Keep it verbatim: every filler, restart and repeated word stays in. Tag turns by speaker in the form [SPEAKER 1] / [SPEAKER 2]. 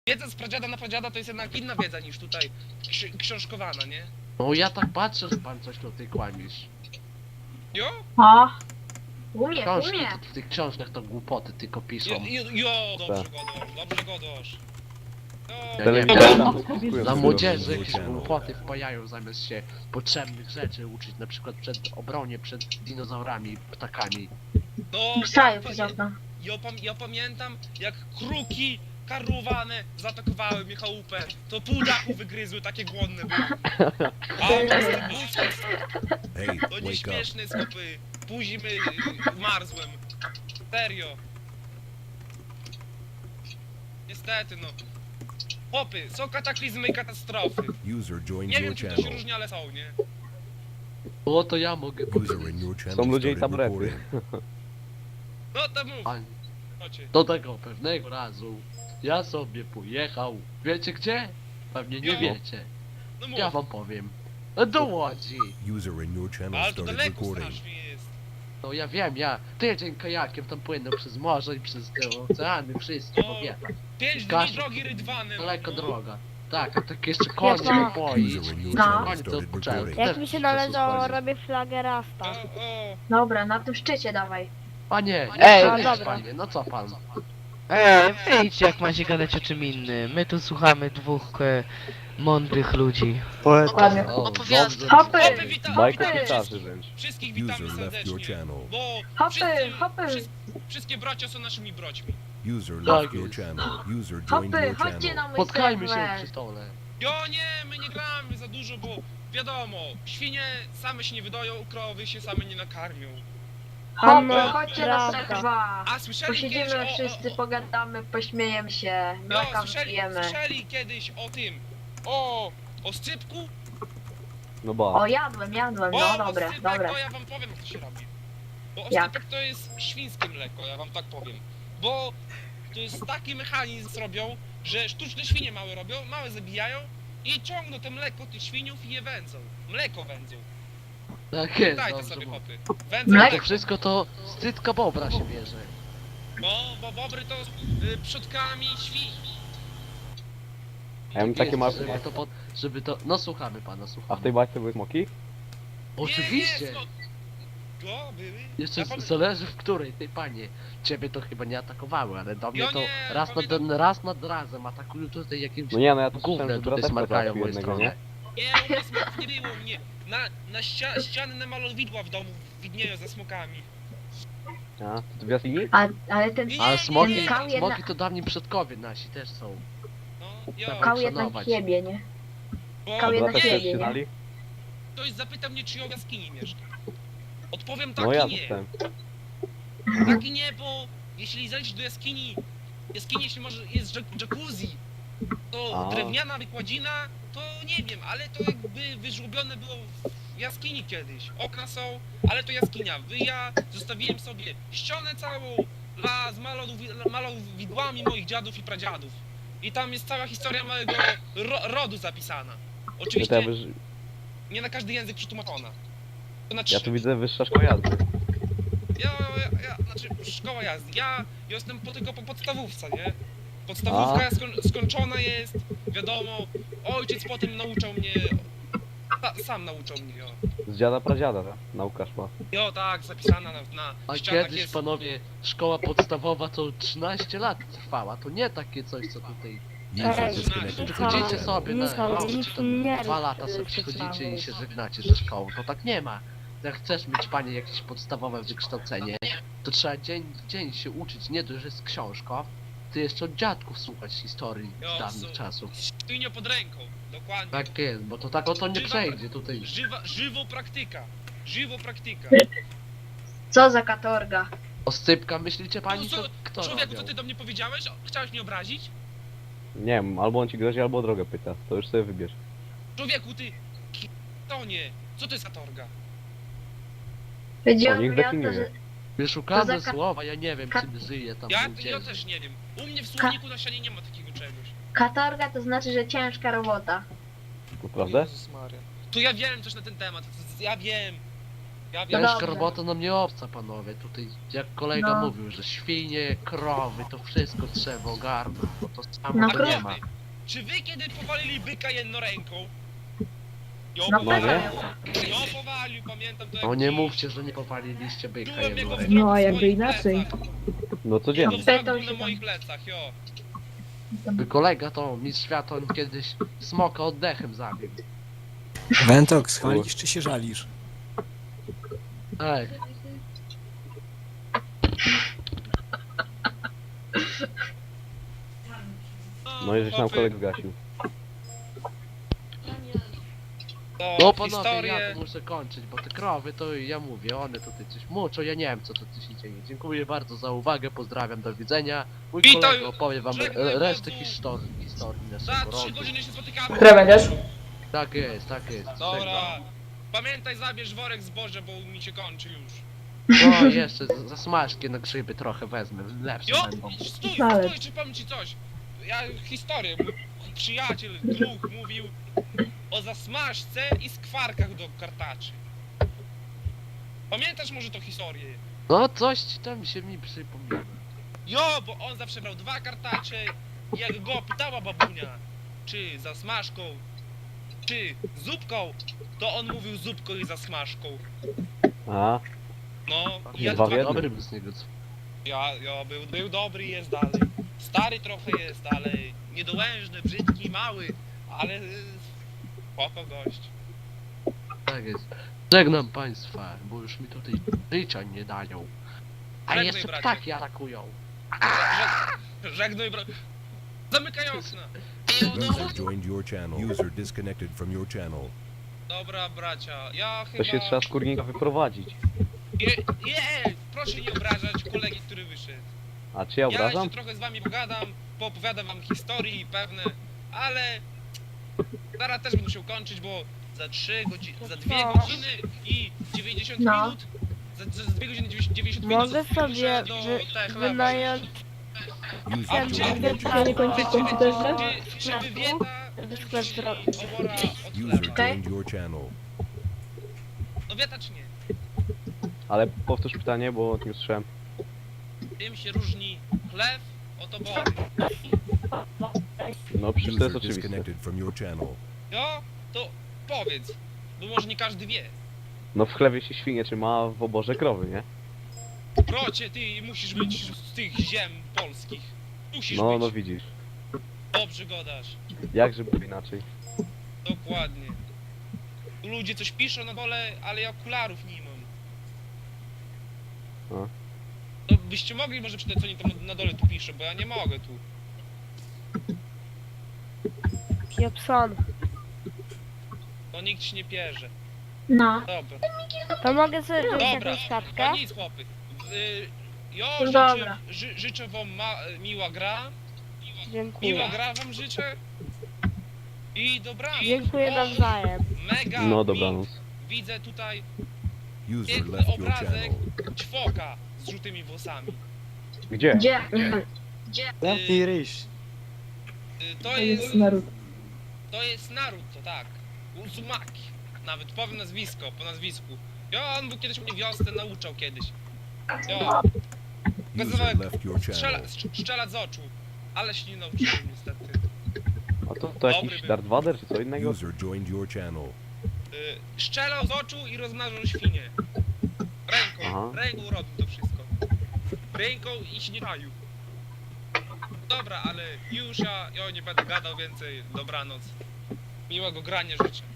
[SPEAKER 1] wiedza z pradziada na pradziada to jest jednak inna wiedza niż tutaj ksi książkowana, nie?
[SPEAKER 2] No ja tak patrzę, że pan coś tutaj kłamiesz.
[SPEAKER 1] Jo?
[SPEAKER 3] O! Umie,
[SPEAKER 2] Książki,
[SPEAKER 3] umie.
[SPEAKER 2] to w tych książkach to głupoty tylko piszą.
[SPEAKER 1] Jo, jo, jo dobrze godosz, dobrze godosz.
[SPEAKER 2] Ja
[SPEAKER 1] Jo,
[SPEAKER 2] nie
[SPEAKER 4] Tyle-
[SPEAKER 2] wiem,
[SPEAKER 4] tyle-
[SPEAKER 2] dla,
[SPEAKER 4] Dziękuję
[SPEAKER 2] dla
[SPEAKER 4] za
[SPEAKER 2] młodzieży
[SPEAKER 4] to.
[SPEAKER 2] jakieś głupoty wpajają zamiast się potrzebnych rzeczy uczyć, na przykład przed obronie, przed dinozaurami, ptakami.
[SPEAKER 1] no,
[SPEAKER 3] Wstaję
[SPEAKER 1] ja,
[SPEAKER 3] przez
[SPEAKER 1] ja,
[SPEAKER 3] okno.
[SPEAKER 1] ja, pam ja pamiętam jak kruki karłowane zaatakowały mnie chałupę, to pół dachu wygryzły, takie głodne były. A
[SPEAKER 5] Hey,
[SPEAKER 1] to
[SPEAKER 5] wake up.
[SPEAKER 1] nieśmieszne skopy. Później y, marzłem. Serio. Niestety no. Chłopy, są kataklizmy i katastrofy.
[SPEAKER 5] User joined
[SPEAKER 1] Nie
[SPEAKER 5] your
[SPEAKER 1] wiem czym to się
[SPEAKER 5] channel.
[SPEAKER 1] różni, ale są, nie?
[SPEAKER 2] O, to ja mogę
[SPEAKER 5] User
[SPEAKER 2] powiedzieć.
[SPEAKER 5] in your channel
[SPEAKER 4] Są ludzie i
[SPEAKER 5] started
[SPEAKER 4] tablety.
[SPEAKER 5] recording.
[SPEAKER 1] No to mów,
[SPEAKER 2] A
[SPEAKER 1] chodźcie.
[SPEAKER 2] do tego pewnego razu ja sobie pojechał. Wiecie gdzie? Pewnie nie
[SPEAKER 1] Jo.
[SPEAKER 2] wiecie.
[SPEAKER 1] No mów.
[SPEAKER 2] Ja wam powiem. Do Łodzi.
[SPEAKER 5] User in your channel
[SPEAKER 1] Ale to
[SPEAKER 5] started
[SPEAKER 1] daleko
[SPEAKER 5] recording.
[SPEAKER 1] strasznie jest.
[SPEAKER 2] No ja wiem, ja tydzień kajakiem tam płynął przez morze i przez te oceany, wszystkie,
[SPEAKER 1] No.
[SPEAKER 2] bo wie.
[SPEAKER 1] Pięć dni
[SPEAKER 2] Kasia,
[SPEAKER 1] drogi rydwanem.
[SPEAKER 2] Daleko
[SPEAKER 1] no.
[SPEAKER 2] droga. Tak, a tak jeszcze konie
[SPEAKER 3] Jasno.
[SPEAKER 2] napoić.
[SPEAKER 5] User in your
[SPEAKER 3] No.
[SPEAKER 5] channel
[SPEAKER 2] Konie to
[SPEAKER 5] started
[SPEAKER 2] odpoczęły.
[SPEAKER 5] recording.
[SPEAKER 6] Jak mi się należało, robię flagę Rasta.
[SPEAKER 1] O, o.
[SPEAKER 3] Dobra, na tym szczycie dawaj.
[SPEAKER 2] Panie,
[SPEAKER 6] Ej,
[SPEAKER 2] nie
[SPEAKER 6] dobra.
[SPEAKER 2] panie, no co pan?
[SPEAKER 6] Ej, wyjdźcie jak macie gadać o czym innym. My tu słuchamy dwóch e, mądrych ludzi.
[SPEAKER 3] Dokładnie.
[SPEAKER 2] O,
[SPEAKER 7] Opowiasty.
[SPEAKER 2] dobrze.
[SPEAKER 3] Hopy!
[SPEAKER 1] Hopy, wita
[SPEAKER 4] Bajka
[SPEAKER 1] witamy
[SPEAKER 4] pitarzy
[SPEAKER 1] wszystkich.
[SPEAKER 4] wręcz.
[SPEAKER 1] Wszystkich witamy
[SPEAKER 5] User left your
[SPEAKER 1] serdecznie.
[SPEAKER 5] channel.
[SPEAKER 1] Bo
[SPEAKER 3] Hopy,
[SPEAKER 1] wszyscy,
[SPEAKER 3] hopy.
[SPEAKER 1] wszyscy, wszystkie bracia są naszymi broćmi.
[SPEAKER 5] User
[SPEAKER 2] Tak
[SPEAKER 5] left your
[SPEAKER 2] jest.
[SPEAKER 5] channel. User joined
[SPEAKER 3] Hopy,
[SPEAKER 5] your
[SPEAKER 3] chodźcie na
[SPEAKER 5] channel.
[SPEAKER 3] mój
[SPEAKER 2] Spotkajmy się
[SPEAKER 3] serwer.
[SPEAKER 2] przy stole.
[SPEAKER 1] Jo nie, my nie gramy za dużo, bo wiadomo, świnie same się nie wydoją, krowy się same nie nakarmią.
[SPEAKER 3] Hopy,
[SPEAKER 6] No,
[SPEAKER 3] chodźcie na
[SPEAKER 6] prawda.
[SPEAKER 3] serwa.
[SPEAKER 1] A słyszeli kiedyś
[SPEAKER 3] Posiedzimy
[SPEAKER 1] o,
[SPEAKER 3] wszyscy,
[SPEAKER 1] o, o,
[SPEAKER 3] pogadamy, pośmiejemy się,
[SPEAKER 1] jo,
[SPEAKER 3] mleka
[SPEAKER 1] słyszeli,
[SPEAKER 3] wypijemy.
[SPEAKER 1] słyszeli kiedyś o tym, o, o scypku?
[SPEAKER 4] No ba.
[SPEAKER 3] O, jadłem, jadłem,
[SPEAKER 1] O,
[SPEAKER 3] no dobre,
[SPEAKER 1] oscypek,
[SPEAKER 3] dobre.
[SPEAKER 1] to ja wam powiem jak to się robi. Bo
[SPEAKER 3] Jak?
[SPEAKER 1] oscypek to jest świńskie mleko, ja wam tak powiem. Bo to jest taki mechanizm robią, że sztuczne świnie małe robią, małe zabijają i ciągną te mleko tych świniów i je wędzą. Mleko wędzą.
[SPEAKER 2] Tak jest,
[SPEAKER 1] Dajcie
[SPEAKER 2] dobrze
[SPEAKER 1] sobie
[SPEAKER 2] mówię.
[SPEAKER 1] hopy. Wędzą
[SPEAKER 3] Mleko?
[SPEAKER 2] To
[SPEAKER 1] mleko.
[SPEAKER 2] wszystko to z cytka bobra się bierze.
[SPEAKER 1] Bo, bo bobry to y, przodkami świń.
[SPEAKER 4] Ja mam
[SPEAKER 2] Tak
[SPEAKER 4] takie
[SPEAKER 2] jest,
[SPEAKER 4] małe...
[SPEAKER 2] żeby to, pod, żeby to... No słuchamy pana,
[SPEAKER 4] A w tej
[SPEAKER 2] słuchamy.
[SPEAKER 4] bajce były smoki?
[SPEAKER 2] Oczywiście!
[SPEAKER 1] Nie, nie, no. Go, były.
[SPEAKER 2] Jeszcze
[SPEAKER 1] Ja pamię-
[SPEAKER 2] z- zależy w której, ty panie. Ciebie to chyba nie atakowały, ale do mnie
[SPEAKER 1] Ja
[SPEAKER 2] to
[SPEAKER 1] nie,
[SPEAKER 2] raz,
[SPEAKER 1] pamiętam-
[SPEAKER 2] nad, raz nad razem atakują tutaj jakimś
[SPEAKER 4] No nie, no ja to słyszałem,
[SPEAKER 2] gównem
[SPEAKER 4] że
[SPEAKER 2] tutaj
[SPEAKER 4] brateczka
[SPEAKER 2] smarkają
[SPEAKER 4] załatwił
[SPEAKER 2] moją
[SPEAKER 4] jednego,
[SPEAKER 2] stronę.
[SPEAKER 4] nie?
[SPEAKER 1] Nie, u mnie smoków nie było, mnie. Na, na ścia ściany na malowidła w domu widnieją ze smokami.
[SPEAKER 4] A, to w jaskini?
[SPEAKER 3] A, ale ten
[SPEAKER 1] Nie,
[SPEAKER 2] Ale
[SPEAKER 1] nie,
[SPEAKER 2] smoki,
[SPEAKER 1] nie,
[SPEAKER 3] Kał jedna-
[SPEAKER 2] smoki to dawni przodkowie nasi też są.
[SPEAKER 1] No, jo.
[SPEAKER 2] Kał
[SPEAKER 3] kał jednak
[SPEAKER 2] szanować.
[SPEAKER 3] siebie, nie?
[SPEAKER 1] Bo
[SPEAKER 3] Kał jednak
[SPEAKER 4] Brateczkę
[SPEAKER 3] siebie, nie?
[SPEAKER 4] ścinali?
[SPEAKER 1] ktoś zapytał mnie, czy ja w jaskini mieszkam. Odpowiem tak
[SPEAKER 4] No ja
[SPEAKER 1] i nie.
[SPEAKER 4] dostałem.
[SPEAKER 1] Tak i nie, bo jeśli zejść do jaskini, jaskini jeśli może jest jac- jacuzzi, to
[SPEAKER 4] A.
[SPEAKER 1] drewniana wykładzina, to nie wiem, ale to jakby wyżłobione było w jaskini kiedyś. Okna są, ale to jaskinia. Wy ja zostawiłem sobie ścianę całą dla, z malowi- malowidłami moich dziadów i pradziadów. I tam jest cała historia mojego ro rodu zapisana.
[SPEAKER 4] Ja, to
[SPEAKER 1] Oczywiście
[SPEAKER 4] ja, wyż...
[SPEAKER 1] nie na każdy język przetłumaczona. To na
[SPEAKER 4] ja
[SPEAKER 1] trzy.
[SPEAKER 4] tu widzę wyższa szkoła jazdy.
[SPEAKER 1] Ja, ja, ja, znaczy szkoła jazdy. Ja jestem po, tylko po podstawówce, nie? Podstawówka skoń, skończona jest, wiadomo. Ojciec potem nauczał mnie. Ta, sam nauczał mnie, jo.
[SPEAKER 4] Z dziada pradziada, tak? Nauka szła.
[SPEAKER 1] Jo, tak, zapisana na, na
[SPEAKER 2] A
[SPEAKER 1] ścianach
[SPEAKER 2] kiedyś,
[SPEAKER 1] jest.
[SPEAKER 2] panowie, szkoła podstawowa to trzynaście lat trwała, to nie takie coś, co tutaj...
[SPEAKER 5] User
[SPEAKER 6] Ej,
[SPEAKER 5] disconnected from
[SPEAKER 2] Przychodzicie
[SPEAKER 5] your
[SPEAKER 2] sobie
[SPEAKER 5] channel.
[SPEAKER 2] na
[SPEAKER 6] Michał,
[SPEAKER 2] nauczycie,
[SPEAKER 6] nic
[SPEAKER 2] tam
[SPEAKER 6] nie
[SPEAKER 2] dwa
[SPEAKER 6] rób,
[SPEAKER 2] lata sobie
[SPEAKER 6] y,
[SPEAKER 2] przychodzicie i
[SPEAKER 6] specjalnie.
[SPEAKER 2] się żegnacie ze szkołą, to tak nie ma. Jak chcesz mieć, panie, jakieś podstawowe wykształcenie, to trzeba dzień w dzień się uczyć, nie dość, że jest książka, ty jeszcze od dziadków słuchać historii
[SPEAKER 1] Jo,
[SPEAKER 2] z dawnych
[SPEAKER 1] su-
[SPEAKER 2] czasów.
[SPEAKER 1] Sztywnią pod ręką, dokładnie.
[SPEAKER 2] Tak jest, bo to tak oto nie
[SPEAKER 1] Żywa-
[SPEAKER 2] przejdzie tutaj.
[SPEAKER 1] Żywa, żywo praktyka. Żywo praktyka.
[SPEAKER 3] Co za katorga.
[SPEAKER 2] Oscypka, myślicie pani,
[SPEAKER 1] No,
[SPEAKER 2] co
[SPEAKER 1] co-
[SPEAKER 2] kto
[SPEAKER 1] Człowieku, co
[SPEAKER 2] robił?
[SPEAKER 1] ty do mnie powiedziałeś? O, chciałeś mnie obrazić?
[SPEAKER 4] Nie wiem, albo on ci grozi, albo o drogę pyta. To już sobie wybierz.
[SPEAKER 1] Człowieku, ty... To nie. Co to jest katorga?
[SPEAKER 3] Chodziło
[SPEAKER 4] O, niech
[SPEAKER 3] mi o to,
[SPEAKER 4] definiuje.
[SPEAKER 3] że
[SPEAKER 2] Wyszukane
[SPEAKER 3] To za ka-
[SPEAKER 2] słowa, ja nie wiem,
[SPEAKER 3] ka-
[SPEAKER 2] czym żyje tam
[SPEAKER 1] Ja,
[SPEAKER 2] ludzie.
[SPEAKER 1] ja też nie wiem. U mnie w słowniku na ścianie nie ma takiego czegoś.
[SPEAKER 3] katorga to znaczy, że ciężka robota.
[SPEAKER 4] Naprawdę?
[SPEAKER 1] To ja wiem coś na ten temat. Ja wiem. Ja wiem,
[SPEAKER 3] No
[SPEAKER 2] Ciężka
[SPEAKER 3] dobrze.
[SPEAKER 2] robota nam nie obca, panowie. Tutaj, jak kolega
[SPEAKER 3] No.
[SPEAKER 2] mówił, że świnie, krowy, to wszystko trzeba ogarnąć, bo to samo
[SPEAKER 3] No
[SPEAKER 2] to
[SPEAKER 1] a
[SPEAKER 2] nie
[SPEAKER 3] krowy.
[SPEAKER 2] ma.
[SPEAKER 1] krowy, czy wy kiedy powalili byka jedną ręką? Jo,
[SPEAKER 3] No
[SPEAKER 1] powalił,
[SPEAKER 3] pewnie.
[SPEAKER 1] jo, powalił, pamiętam to jak
[SPEAKER 2] No nie
[SPEAKER 1] dziś.
[SPEAKER 2] mówcie, że nie powaliliście byka
[SPEAKER 1] Czułem jego
[SPEAKER 2] jedną
[SPEAKER 1] wzrok
[SPEAKER 2] ręką.
[SPEAKER 7] No, a
[SPEAKER 1] na
[SPEAKER 7] jakby
[SPEAKER 1] swoich
[SPEAKER 7] inaczej.
[SPEAKER 1] plecach.
[SPEAKER 4] No
[SPEAKER 1] Jego
[SPEAKER 4] codziennie.
[SPEAKER 1] wzrok
[SPEAKER 3] Pytał
[SPEAKER 1] był
[SPEAKER 3] się
[SPEAKER 1] na
[SPEAKER 3] tam.
[SPEAKER 1] moich plecach, jo.
[SPEAKER 2] Mój kolega to mistrz świata, on kiedyś smoka oddechem zabił.
[SPEAKER 8] Wentox, chwalisz czy się żalisz?
[SPEAKER 2] Ej,
[SPEAKER 4] No i żeś nam
[SPEAKER 1] chłopy,
[SPEAKER 4] kolegę gasił.
[SPEAKER 1] to
[SPEAKER 2] no panowie,
[SPEAKER 1] historię...
[SPEAKER 2] ja to muszę kończyć, bo te krowy to ja mówię, one tutaj coś muczą, ja nie wiem co to tu się dzieje. Dziękuję bardzo za uwagę, pozdrawiam, do widzenia. Mój
[SPEAKER 1] Witaj,
[SPEAKER 2] kolega opowie wam
[SPEAKER 1] żegnaj,
[SPEAKER 2] e, resztę
[SPEAKER 1] wodzu.
[SPEAKER 2] historii, historii
[SPEAKER 1] Za
[SPEAKER 2] naszego
[SPEAKER 1] trzy
[SPEAKER 2] rodu.
[SPEAKER 1] godziny się spotykamy.
[SPEAKER 7] Które będziesz?
[SPEAKER 2] Tak jest, tak jest.
[SPEAKER 1] Dobra. Pamiętaj, zabierz worek zboża, bo mi się kończy już.
[SPEAKER 2] No jeszcze z- za smażki na grzyby trochę wezmę, lepsze
[SPEAKER 1] Jo,
[SPEAKER 2] będą.
[SPEAKER 1] stój,
[SPEAKER 7] Ale-
[SPEAKER 1] stój, czy powiem ci coś. Ja historię, mój przyjaciel, druh mówił o zasmażce i skwarkach do kartaczy. Pamiętasz może tą historię?
[SPEAKER 2] No coś ci tam się mi przypomina.
[SPEAKER 1] Jo, bo on zawsze brał dwa kartacze i jak go pytała babunia, czy za smażką, czy zupką, to on mówił zupką i za smażką.
[SPEAKER 4] A,
[SPEAKER 1] No, i
[SPEAKER 4] Nie
[SPEAKER 1] ja
[SPEAKER 4] dwa w
[SPEAKER 1] dwa-
[SPEAKER 4] jednym?
[SPEAKER 2] Dobry był z niego.
[SPEAKER 1] Ja, ja był, był dobry i jest dalej. Stary trochę jest, ale niedołężny, brzydki, mały, ale y, spoko gość.
[SPEAKER 2] Tak jest. Żegnam państwa, bo już mi tutaj życia nie dają. A
[SPEAKER 1] Żegnaj,
[SPEAKER 2] jeszcze
[SPEAKER 1] bracie.
[SPEAKER 2] ptaki atakują.
[SPEAKER 1] Żeg- Żegnaj, bro. Zamykaj okna.
[SPEAKER 5] User joined your channel. User disconnected from your channel.
[SPEAKER 1] Dobra, bracia, ja
[SPEAKER 4] to
[SPEAKER 1] chyba...
[SPEAKER 4] się trzeba z kurnika wyprowadzić.
[SPEAKER 1] Je, je, proszę nie obrażać kolegi, który wyszedł.
[SPEAKER 4] A czy ja
[SPEAKER 1] Ja
[SPEAKER 4] obrażam?
[SPEAKER 1] jeszcze trochę z wami pogadam, poopowiadam wam historii pewne, ale zaraz też będę musiał kończyć, bo za trzy godziny, za dwie godziny i dziewięćdziesiąt
[SPEAKER 3] No.
[SPEAKER 1] minut, za, za dwie godziny dziewięćdziesiąt
[SPEAKER 9] Mogę
[SPEAKER 1] minut
[SPEAKER 9] sobie
[SPEAKER 1] muszę do
[SPEAKER 9] wy,
[SPEAKER 1] Techlaba
[SPEAKER 9] wynająć
[SPEAKER 5] User
[SPEAKER 1] A, czy-
[SPEAKER 5] joined your
[SPEAKER 7] Ja
[SPEAKER 5] channel.
[SPEAKER 7] nie kończę w komputerze?
[SPEAKER 1] Czy, czy wywieta
[SPEAKER 9] sklep zrobić.
[SPEAKER 1] obora od
[SPEAKER 5] User
[SPEAKER 1] chleba?
[SPEAKER 3] Okej.
[SPEAKER 5] joined your channel.
[SPEAKER 1] No wieta czy nie?
[SPEAKER 4] Ale powtórz pytanie, bo nie usłyszałem.
[SPEAKER 1] Tym się różni chleb od obory.
[SPEAKER 4] No przecież to
[SPEAKER 5] User
[SPEAKER 4] jest oczywiste.
[SPEAKER 5] disconnected from your channel.
[SPEAKER 1] No, to powiedz, bo może nie każdy wie.
[SPEAKER 4] No w chlewie się świnie trzyma, w oborze krowy, nie?
[SPEAKER 1] Procie, ty musisz być z tych ziem polskich. Musisz
[SPEAKER 4] No,
[SPEAKER 1] być.
[SPEAKER 4] no widzisz.
[SPEAKER 1] Dobrze gadasz.
[SPEAKER 4] Jakże by inaczej.
[SPEAKER 1] Dokładnie. Tu ludzie coś piszą na dole, ale ja okularów nie mam.
[SPEAKER 4] A.
[SPEAKER 1] No byście mogli może przeczytać, co oni tam na dole tu piszą, bo ja nie mogę tu.
[SPEAKER 9] Pieprzon.
[SPEAKER 1] To nikt się nie pierze.
[SPEAKER 3] No.
[SPEAKER 1] Dobra.
[SPEAKER 9] To mogę sobie wziąć
[SPEAKER 1] Dobra.
[SPEAKER 9] jakąś kartkę?
[SPEAKER 1] No nic, chłopy. Y, Jo,
[SPEAKER 3] No
[SPEAKER 1] życzę,
[SPEAKER 3] dobra.
[SPEAKER 1] ży, życzę wam ma, miła gra. Miła
[SPEAKER 9] Dziękuję.
[SPEAKER 1] gra wam życzę. I dobranoc.
[SPEAKER 9] Dziękuję
[SPEAKER 1] O,
[SPEAKER 9] nawzajem.
[SPEAKER 1] Mega
[SPEAKER 4] No
[SPEAKER 1] mi-
[SPEAKER 4] dobranoc.
[SPEAKER 1] Widzę tutaj
[SPEAKER 5] User
[SPEAKER 1] piękny
[SPEAKER 5] left your
[SPEAKER 1] obrazek
[SPEAKER 5] channel.
[SPEAKER 1] ćwoka z żółtymi włosami.
[SPEAKER 4] Gdzie?
[SPEAKER 3] Gdzie?
[SPEAKER 8] Zamknij ryś.
[SPEAKER 1] Y, To
[SPEAKER 7] To
[SPEAKER 1] jest...
[SPEAKER 7] jest Naruto.
[SPEAKER 1] To jest Naruto, tak. Uzumaki. Nawet powiem nazwisko, po nazwisku. Jo, on był kiedyś mnie wiosnę nauczał kiedyś. Jo,
[SPEAKER 5] User left your
[SPEAKER 1] strzela,
[SPEAKER 5] channel.
[SPEAKER 1] strz- strzelać z oczu. Ale się nie nauczyłem niestety.
[SPEAKER 4] A to, to
[SPEAKER 1] Dobry
[SPEAKER 4] jakiś
[SPEAKER 1] był.
[SPEAKER 4] Darth Vader czy co innego?
[SPEAKER 5] User joined your channel.
[SPEAKER 1] Y, strzelał z oczu i rozmnażał świnie. Ręką,
[SPEAKER 4] Aha.
[SPEAKER 1] ręką robił to wszystko. Ręką i się nie czaił. Dobra, ale już ja, ja nie będę gadał więcej. Dobranoc. Miłego grania życzę.